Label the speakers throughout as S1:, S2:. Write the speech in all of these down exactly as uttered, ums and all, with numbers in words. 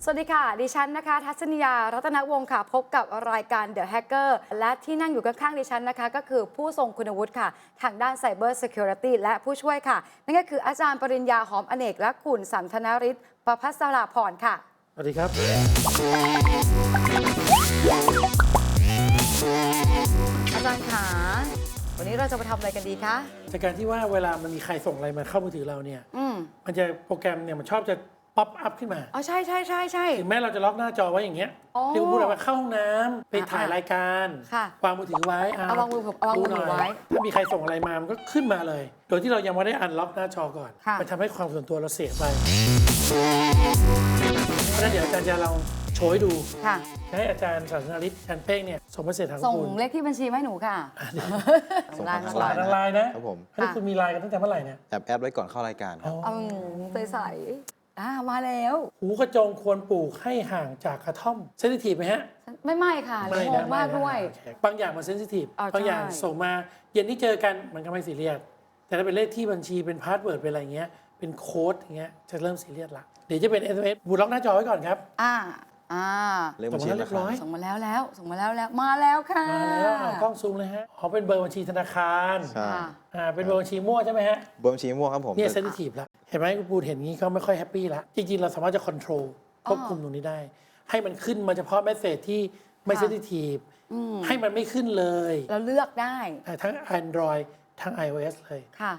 S1: วัสดีค่ะดิฉันนะคะทัศนียารัตนวงศ์ค่ะพบกับรายการ The Hacker และที่นั่งอยู่ข้างๆดิฉันนะคะก็คือผู้ทรงคุณวุฒิค่ะทางด้าน Cyber Security และผู้ช่วยค่ะนั่นก็คืออาจารย์ปริญญาหอมอเนกและคุณสันทนาริศประภัสราพรค่ะ
S2: สวัสดีครับ
S1: อาจารย์ขาวันนี้เราจะมาทำอะไรกันดีคะ
S2: จากการที่ว่าเวลามันมีใครส่งอะไรมาเข้ามือถือเราเนี่ย
S1: ม
S2: มันจะโปรแกรมเนี่ยมันชอบจะป๊อปอัพขึ้นมา
S1: อ๋อใช่ใช่ใช่ใช่
S2: ถึงแม้เราจะล็อกหน้าจอไว้อย่างเงี้ยที่คุณพูดอะไรว่าเข้าห้องน้ำไปถ่ายรายการวางมือถือไว้
S1: เอาวางมือผมเอาวางมือถือไว้
S2: ถ้ามีใครส่งอะไรมามันก็ขึ้นมาเลยโดยที่เรายังไม่ได้อันล็อกหน้าจอก่อนมันทำให้ความส่วนตัวเราเสียไปเพราะฉะนั้นเดี๋ยวอาจารย์จะลองโชว์ให้ดูให้อาจารย์สันทนาริศอาจารย์เป้งเนี่ยส่งเมสเสจทางคุณ
S1: ส่งเลขที่บัญชีมาให้หนูค่ะ
S3: ส่งทาง
S2: ไลน์ทางไลน์นะครับ
S3: ผม
S2: อันนี้คุณมีไลน์กันตั้งแต่เมื่อไหร่เนี่ย
S3: แอบแอปไว้ก่อนเข้ารายการครับ
S1: อืมใสๆอ่ามาแล้ว
S2: หูกระจงควรปลูกให้ห่างจากกระท่อมเซนซิทีฟไหมฮะ
S1: ไม่ไม่ค่ะไม่งงมากด้วย
S2: บางอย่างมันเซนซิทีฟบางอย่างส่งมาเย็นที่เจอกันมันก็ไม่ซีเรียสแต่ถ้าเป็นเลขที่บัญชีเป็นพาสเวิร์ดเป็นอะไรเงี้ยเป็นโค้ดอย่างเงี้ยจะเริ่มซีเรียสละเดี๋ยวจะเป็น เอส เอ็ม เอส บูล็อกหน้าจอไว้ก่อนครับ
S1: อ่าอ่า
S2: ส่งมาเรียบร้อย
S1: ส่งมาแล้วแล้วส่งมาแล้วแล้วมาแล้วค่ะ
S2: มาแล้วกล้องซูมเลยฮะอ๋อเป็นเบอร์บัญชีธนาคาร
S3: ใช่
S2: อ่าเป็นเบอร์บัญชีมั่วใช่ไหมฮะ
S3: เบอร์บัญชีมั่วครับผม
S2: เนี่ยเซนซิทีฟแล้วเห็นไหมคุณปูเห็นงี้ก็ไม่ค่อยแฮปปี้ละจริงๆเราสามารถจะควบคุมควบคุมตรงนี้ได้ให้มันขึ้นมาเฉพาะเมสเสจที่ไม่เซนซิทีฟให้มันไม่ขึ้นเลย
S1: เราเลือกได้
S2: ทั้ง Android ทั้ง iOS เลย
S1: ค่ะ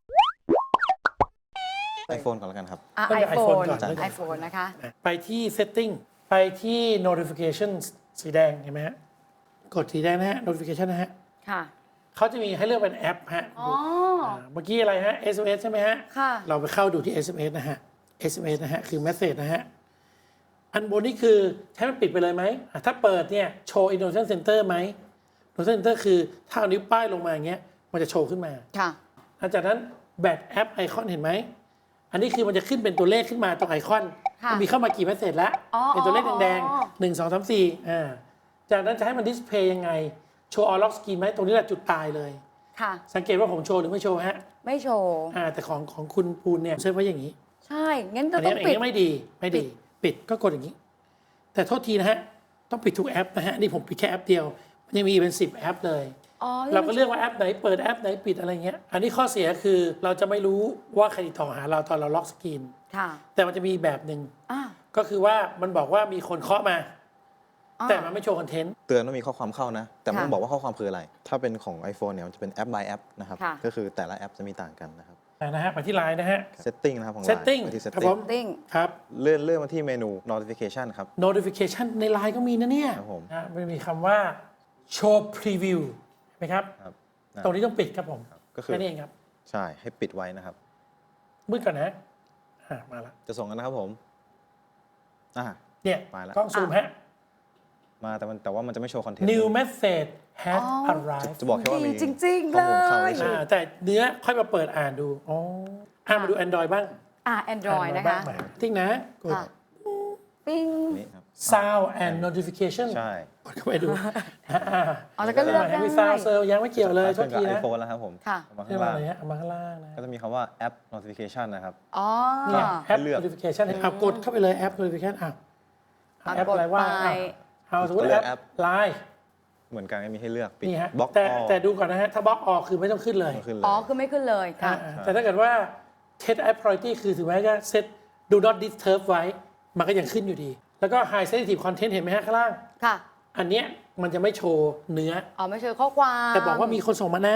S3: iPhone ก่อนแล้วกันครับ
S1: ไอโฟนก่อนไอโฟนนะคะ
S2: ไปที่ Setting ไปที่ Notification สีแดงเห็นไหมฮะกดสีแดงนะฮะ Notification นะฮะ
S1: ค่ะ
S2: เขาจะมีให้เลือกเป็นแอปฮะเมื่อกี้อะไรฮะ เอส เอ็ม เอส ใช่ไหมฮะ
S1: ค่ะ
S2: เราไปเข้าดูที่ เอส เอ็ม เอส นะฮะ เอส เอ็ม เอส นะฮะคือ Message นะฮะอันบนนี้คือใช้มันปิดไปเลยไหมถ้าเปิดเนี่ยโชว์ Innovation Center ไหม Innovation Center คือถ้าเอานิ้วป้ายลงมาอย่างเงี้ยมันจะโชว์ขึ้นมา
S1: ค่ะ
S2: หลังจากนั้นแบตแอปไอคอนเห็นไหมอันนี้คือมันจะขึ้นเป็นตัวเลขขึ้นมาตรงไอคอนมันมีเข้ามากี่เมสเสจแล้วเป็นตัวเลขแดงๆหนึ่ง สอง สาม สี่อ่าจากนั้นจะให้มันดิสเพย์ยังไงโชว์ออลล็อกสกรีนไหมตรงนี้แหละจุดตายเลย
S1: ค่ะ
S2: สังเกตว่าผมโชว์หรือไม่โชว์ฮะ
S1: ไม่โชว์
S2: อ่าแต่ของของคุณปูนเนี่ยเซฟไว้อย่างนี้
S1: ใช่งั้นจะต้องปิด
S2: ไม่ดีไม่ดีปิดก็กดอย่างนี้แต่โทษทีนะฮะต้องปิดทุกแอปนะฮะนี่ผมปิดแค่แอปเดียวมันยังมีเป็นสิบแอปเลยเราก็เลือกว่าแอปไหนเปิดแอปไหนปิดอะไรเงี้ยอันนี้ข้อเสียคือเราจะไม่รู้ว่าใครติดต่อหาเราตอนเราล็อกสกรีนแต่มันจะมีแบบหนึ่งก็คือว่ามันบอกว่ามีคนเคาะมาแต่มันไม่โชว์คอนเทนต์
S3: เตือนว่ามีข้อความเข้านะแต่มันบอกว่าข้อความคืออะไรถ้าเป็นของ iPhone เนี่ยมันจะเป็นแอป by แอปนะครับก็คือแต่ละแอปจะมีต่างกันนะครับ
S2: นะฮะไปที่ไลน์นะฮะ
S3: Setting นะครับของ
S2: Setting
S3: ไปที่
S2: Setting ครับ
S3: เลื่อนเลื่อนมาที่เมนู Notification ครับ
S2: Notification ในไลน์ก็มีนะเนี่ยมันมีคำว่า Show Preview ไหมครับตรงนี้ต้องปิดครับผม
S3: ก็คือ
S2: แค่นี้เองครับ
S3: ใช่ให้ปิดไว้นะครับ
S2: มืดก่อนนะมาแล้ว
S3: จะส่งกันนะครับผมอ่า
S2: เนี่ยกล้องซูมฮะ
S3: มาแต่มันแต่ว่ามันจะไม่โชว์คอนเทนต์
S2: New message has arrived
S3: จะบอกแค่ว่ามี
S1: จริงๆเลย
S2: แต่เนื้อค่อยมาเปิดอ่านดูอ๋ออ่ามาดู Android บ้าง
S1: อ่า Android นะคะ
S2: ทิ้งนะกด
S1: ปิ้ง
S2: Sound and Notification
S3: ใช่
S2: กดเข้าไปดู
S1: อ๋อแล้วก็เลือกได้
S2: มีซาวเซอร์ยังไม่เกี่ยวเลย
S3: โทษทีนะ iPhone แล้วครับผม
S2: มาข้างล่างเอามาข้างล่างนะ
S3: ก็จะมีคำว่า App Notification นะครับ
S1: อ๋อ
S2: เนี่ย App Notification เอากดเข้าไปเลย App Notification อ่ะแอปอะไรว่าเอาสมมติแอปไลน์
S3: เหมือนกันไม่มีให้เลือก
S2: ปิดบล็อกแต่แต่ดูก่อนนะฮะถ้าบล็อกออกคือไม่ต้องขึ้นเลย
S1: อ๋อคือไม่ขึ้นเลยค่ะ
S2: แต่ถ้าเกิดว่า set app priority คือถึงแม้จะ set do not disturb ไว้มันก็ยังขึ้นอยู่ดีแล้วก็ high sensitive content เห็นไหมฮะข้างล่าง
S1: ค่ะ
S2: อันเนี้ยมันจะไม่โชว์เนื้อ
S1: อ๋อไม่โชว์ข้อความ
S2: แต่บอกว่ามีคนส่งมานะ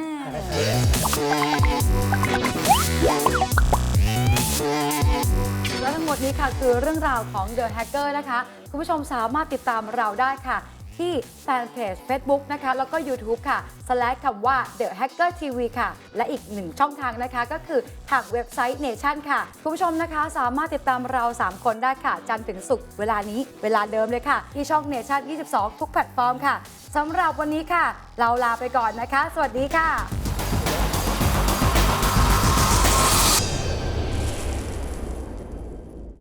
S1: และทั้งหมดนี้ค่ะคือเรื่องราวของ The Hacker นะคะคุณผู้ชมสามารถติดตามเราได้ค่ะที่แฟนเพจ Facebook นะคะแล้วก็ YouTube ค่ะ slash คำว่า The Hacker ที วี ค่ะและอีกหนึ่งช่องทางนะคะก็คือทางเว็บไซต์ Nation ค่ะคุณผู้ชมนะคะสามารถติดตามเราสามคนได้ค่ะจันทร์ถึงศุกร์เวลานี้เวลาเดิมเลยค่ะที่ช่อง Nation ยี่สิบสอง ทุกแพลตฟอร์มค่ะสำหรับวันนี้ค่ะเราลาไปก่อนนะคะสวัสดีค่ะ